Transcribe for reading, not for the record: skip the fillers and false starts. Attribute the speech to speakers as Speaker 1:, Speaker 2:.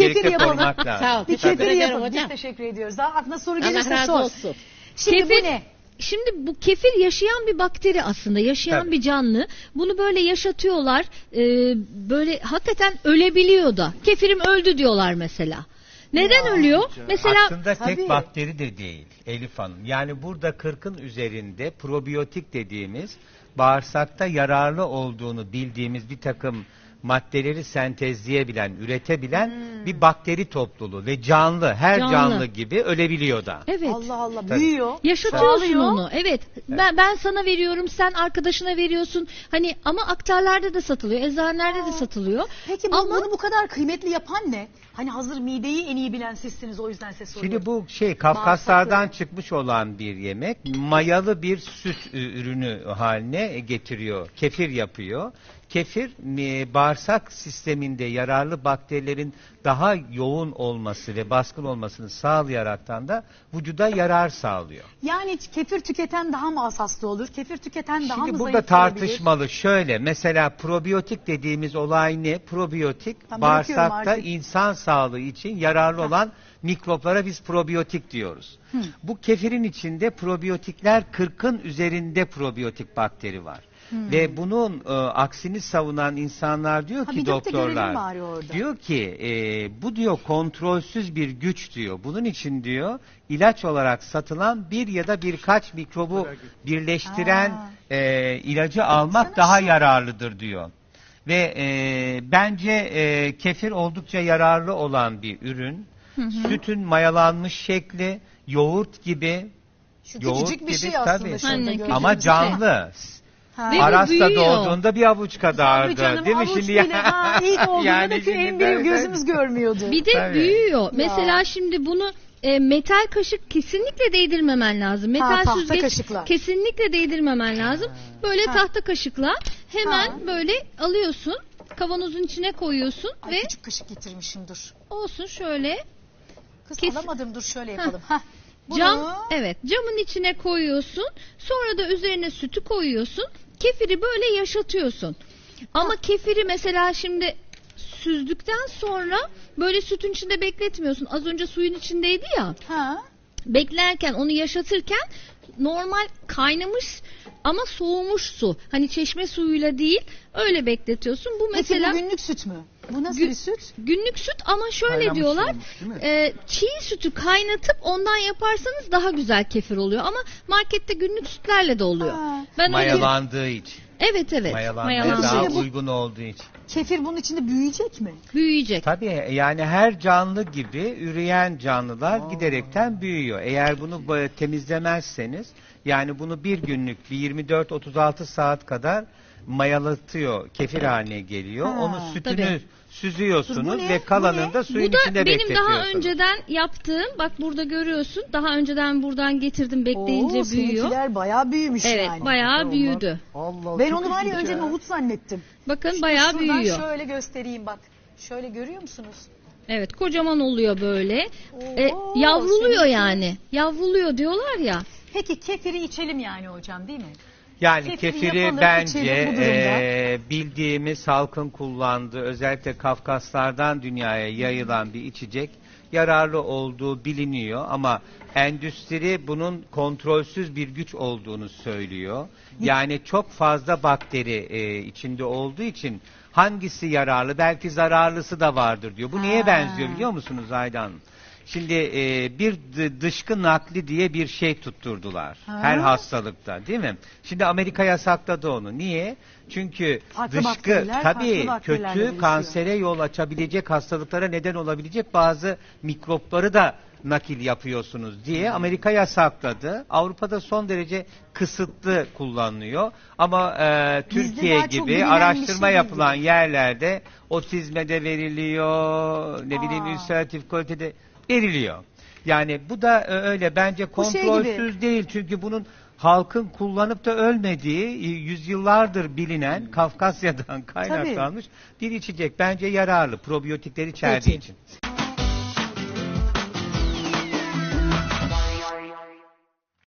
Speaker 1: kefir yapalım.
Speaker 2: korumak lazım.
Speaker 3: Sağ ol.
Speaker 1: Bir
Speaker 3: Teşekkür
Speaker 1: kefir
Speaker 3: ederim
Speaker 1: yapalım.
Speaker 3: hocam.
Speaker 1: Biz teşekkür ediyoruz. Daha aklına soru
Speaker 3: Allah
Speaker 1: gelirse
Speaker 3: razı
Speaker 1: sor.
Speaker 3: olsun.
Speaker 1: Şimdi
Speaker 4: Kefir-
Speaker 1: bu ne?
Speaker 4: Şimdi bu kefir yaşayan bir bakteri aslında, yaşayan
Speaker 2: Tabii.
Speaker 4: bir canlı. Bunu böyle yaşatıyorlar, böyle hakikaten ölebiliyor da. Kefirim öldü diyorlar mesela. Neden ölüyor? Mesela
Speaker 2: Aslında
Speaker 1: Tabii.
Speaker 2: tek bakteri de değil Elif Hanım. Yani burada 40'ın üzerinde probiyotik dediğimiz bağırsakta yararlı olduğunu bildiğimiz bir takım maddeleri sentezleyebilen, üretebilen bir bakteri topluluğu ve canlı, her
Speaker 4: Canlı.
Speaker 2: canlı gibi ölebiliyor da.
Speaker 4: evet.
Speaker 1: Allah Allah
Speaker 2: Tabii.
Speaker 1: büyüyor.
Speaker 4: Yaşatıyorsun
Speaker 1: çoğalıyor.
Speaker 4: onu. Evet. Ben sana veriyorum, sen arkadaşına veriyorsun. Hani ama aktarlarda da satılıyor, eczanelerde de satılıyor.
Speaker 1: Peki
Speaker 4: Ama
Speaker 1: bunu bu kadar kıymetli yapan ne? Hani hazır mideyi en iyi bilen sizsiniz, o yüzden size soruyorum.
Speaker 2: Şimdi bu Kafkaslardan
Speaker 1: Bağırsakları.
Speaker 2: çıkmış olan bir yemek, mayalı bir süt ürünü haline getiriyor. Kefir yapıyor. Kefir bağırsak sisteminde yararlı bakterilerin daha yoğun olması ve baskın olmasını sağlayaraktan da vücuda yarar sağlıyor.
Speaker 1: Yani kefir tüketen daha mı az hasta olur? Kefir tüketen daha
Speaker 2: Şimdi
Speaker 1: mı
Speaker 2: burada
Speaker 1: zayıf
Speaker 2: tartışmalı. Şöyle mesela probiyotik dediğimiz olay ne? Probiyotik
Speaker 1: Ben bırakıyorum
Speaker 2: bağırsakta
Speaker 1: artık.
Speaker 2: insan sağlığı için yararlı olan mikroplara biz probiyotik diyoruz. Bu kefirin içinde probiyotikler 40'ın üzerinde probiyotik bakteri var. Ve bunun aksini savunan insanlar diyor
Speaker 1: Ha,
Speaker 2: ki
Speaker 1: bir dök de görelim
Speaker 2: doktorlar
Speaker 1: bari orada.
Speaker 2: diyor ki bu diyor kontrolsüz bir güç diyor. Bunun için diyor ilaç olarak satılan bir ya da birkaç mikrobu birleştiren ilacı almak
Speaker 1: Baksana
Speaker 2: daha
Speaker 1: şu.
Speaker 2: yararlıdır diyor. Ve bence kefir oldukça yararlı olan bir ürün. Sütün mayalanmış şekli, yoğurt gibi.
Speaker 1: Şu
Speaker 2: Yoğurt
Speaker 1: küçücük bir
Speaker 2: gibi,
Speaker 1: şey aslında
Speaker 2: tabii.
Speaker 1: şurada
Speaker 4: Aynen,
Speaker 1: gördüğünüz
Speaker 2: Ama
Speaker 1: şey.
Speaker 2: canlı.
Speaker 1: Ha.
Speaker 4: Ve bu
Speaker 2: Aras'ta
Speaker 4: büyüyor.
Speaker 2: doğduğunda bir avuç kadardı.
Speaker 1: Tabii canım,
Speaker 2: değil mi
Speaker 1: avuç
Speaker 2: şimdi?
Speaker 1: bile. Ha, ilk olduğunda
Speaker 2: Yani
Speaker 1: da ki
Speaker 2: şimdi
Speaker 1: en büyük
Speaker 2: ben-
Speaker 1: gözümüz görmüyordu.
Speaker 4: bir de
Speaker 2: Tabii.
Speaker 4: büyüyor. Mesela şimdi bunu metal kaşık kesinlikle değdirmemen lazım. Metal
Speaker 1: tahta
Speaker 4: süzgeç
Speaker 1: kaşıklar.
Speaker 4: kesinlikle değdirmemen lazım. Böyle
Speaker 1: Ha.
Speaker 4: tahta kaşıkla hemen
Speaker 1: Ha.
Speaker 4: böyle alıyorsun. Kavanozun içine koyuyorsun
Speaker 1: Ay,
Speaker 4: ve
Speaker 1: küçük kaşık getirmişim, dur.
Speaker 4: olsun şöyle
Speaker 1: Kız
Speaker 4: Kes-
Speaker 1: alamadım, dur şöyle yapalım. Hah. Bunu
Speaker 4: evet, camın içine koyuyorsun. Sonra da üzerine sütü koyuyorsun. Kefiri böyle yaşatıyorsun. Ama kefiri mesela şimdi süzdükten sonra böyle sütün içinde bekletmiyorsun. Az önce suyun içindeydi ya.
Speaker 1: ha.
Speaker 4: Beklerken, onu yaşatırken normal kaynamış ama soğumuş su. Hani çeşme suyuyla değil, öyle bekletiyorsun. Bu mesela
Speaker 1: Peki bu günlük süt mü? Bu nasıl
Speaker 4: Gü-
Speaker 1: bir süt?
Speaker 4: günlük süt ama şöyle
Speaker 2: Kaynamış
Speaker 4: diyorlar.
Speaker 2: olmuş, değil mi?
Speaker 4: Çiğ sütü kaynatıp ondan yaparsanız daha güzel kefir oluyor ama markette günlük sütlerle de oluyor.
Speaker 1: Ha.
Speaker 4: Ben öyle
Speaker 2: Mayalandığı için.
Speaker 4: Evet
Speaker 2: Mayalandığı
Speaker 4: mayalandı.
Speaker 2: daha
Speaker 1: Şimdi bu-
Speaker 2: uygun olduğu için.
Speaker 1: Kefir bunun içinde büyüyecek mi?
Speaker 4: Büyüyecek.
Speaker 2: Tabii yani her canlı gibi üreyen canlılar giderekten büyüyor. Eğer bunu böyle temizlemezseniz, yani bunu bir günlük bir 24-36 saat kadar mayalatıyor, kefir haline geliyor.
Speaker 1: Ha,
Speaker 2: Onu sütünü
Speaker 4: tabii.
Speaker 2: süzüyorsunuz
Speaker 1: Bu ne?
Speaker 2: ve
Speaker 1: Bu
Speaker 2: kalanını
Speaker 1: ne?
Speaker 2: da suyun
Speaker 4: Bu da
Speaker 2: içinde
Speaker 4: benim
Speaker 2: bekletiyorsunuz.
Speaker 4: daha önceden yaptığım, bak burada görüyorsun, daha önceden buradan getirdim, bekleyince
Speaker 1: Oo,
Speaker 4: büyüyor.
Speaker 1: seninkiler bayağı büyümüş
Speaker 4: Evet,
Speaker 1: yani.
Speaker 4: bayağı büyüdü.
Speaker 3: Allah,
Speaker 1: Ben
Speaker 3: çok
Speaker 1: onu var ya
Speaker 3: ilginç
Speaker 1: önce nohut zannettim.
Speaker 4: Bakın bayağı
Speaker 1: Şuradan
Speaker 4: büyüyor.
Speaker 1: şöyle göstereyim bak. Şöyle görüyor musunuz?
Speaker 4: Evet, kocaman oluyor böyle.
Speaker 1: Oo,
Speaker 4: Yavruluyor
Speaker 1: seninki-
Speaker 4: yani. Yavruluyor diyorlar ya.
Speaker 1: Peki kefiri içelim yani hocam, değil mi?
Speaker 2: Yani
Speaker 1: Kefiri
Speaker 2: kefiri
Speaker 1: yapalım,
Speaker 2: bence
Speaker 1: içelim bu durumda.
Speaker 2: bildiğimiz halkın kullandığı, özellikle Kafkaslardan dünyaya yayılan bir içecek, yararlı olduğu biliniyor ama endüstri bunun kontrolsüz bir güç olduğunu söylüyor. Yani çok fazla bakteri içinde olduğu için hangisi yararlı, belki zararlısı da vardır diyor. Bu neye
Speaker 1: Ha.
Speaker 2: benziyor biliyor musunuz Aydan? Şimdi bir dışkı nakli diye bir şey tutturdular
Speaker 1: Ha.
Speaker 2: her hastalıkta, değil mi? Şimdi Amerika yasakladı onu. Niye? Çünkü
Speaker 1: Farklı
Speaker 2: dışkı
Speaker 1: bakteriler,
Speaker 2: tabii
Speaker 1: farklı bakterilerle
Speaker 2: kötü
Speaker 1: buluşuyor.
Speaker 2: kansere yol açabilecek, hastalıklara neden olabilecek bazı mikropları da nakil yapıyorsunuz diye Amerika yasakladı. Avrupa'da son derece kısıtlı kullanılıyor. Ama Türkiye
Speaker 1: daha çok
Speaker 2: gibi
Speaker 1: bilinen bir
Speaker 2: araştırma
Speaker 1: şey
Speaker 2: yapılan
Speaker 1: gibi.
Speaker 2: yerlerde otizme de veriliyor, ne bileyim ülseratif kolite veriliyor. Yani bu da öyle bence
Speaker 1: Bu şey
Speaker 2: kontrolsüz değil, çünkü bunun halkın kullanıp da ölmediği, yüzyıllardır bilinen, Kafkasya'dan kaynaklanmış bir içecek. Bence yararlı, probiyotikleri içerdiği
Speaker 1: Peki.
Speaker 2: için.